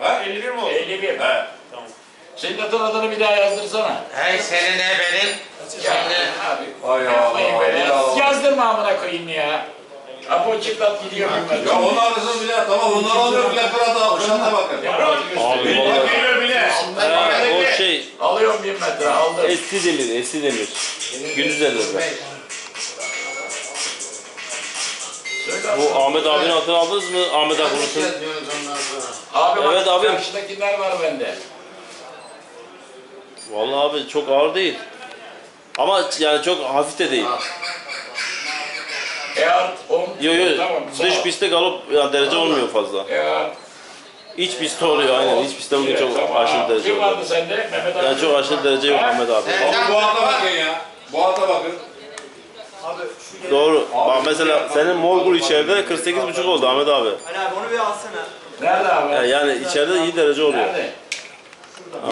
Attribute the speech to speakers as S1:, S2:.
S1: Ha 51 mi oldu?
S2: 51.
S1: He.
S2: Tamam. Senin atın adını bir daha yazdırsana.
S3: Hey senin ne benim? Şimdi
S2: Abi.
S1: Ay
S2: Yapmayın
S1: Allah,
S2: böyle.
S1: ya.
S2: Yazdırma amına koyayım ya. Apo çıklat gidiyor bilmem.
S1: Ya onun arasını bile tamam bunlar alıyor bile Fırat'a bakın.
S4: Abi
S1: Bak
S4: vallahi.
S1: geliyor bile.
S4: O şey
S2: Alıyorum 1 metre aldım.
S4: eski demir. Gündüz ellerde.
S2: Söyle
S4: Bu Ahmet abinin atını aldınız mı? Ahmet abi unutun.
S3: diyoruz ondan sonra.
S2: Abi
S4: Evet
S2: bak
S4: abi.
S2: karşıdakiler var bende.
S4: Vallahi abi çok ağır değil. Ama yani çok hafif de değil.
S2: Eğer 10.
S4: Yo
S2: Tamam.
S4: dış pistte galop yani derece olmuyor fazla.
S2: Eğer
S4: İç pistte oluyor aynen. İç pistte bugün çok aşırı derece
S2: Kim
S4: oluyor.
S2: vardı sende? Mehmet abi.
S4: Yani çok aşırı derece yok Ahmet abi.
S1: Bu ata bakın ya. Bu ata bakın.
S4: Doğru. Bak mesela senin Morgul içeride 48,5 oldu Ahmet abi.
S5: Ali abi onu bir alsana.
S2: Nerede abi?
S4: Yani içeride iyi derece oluyor.
S2: Nerede?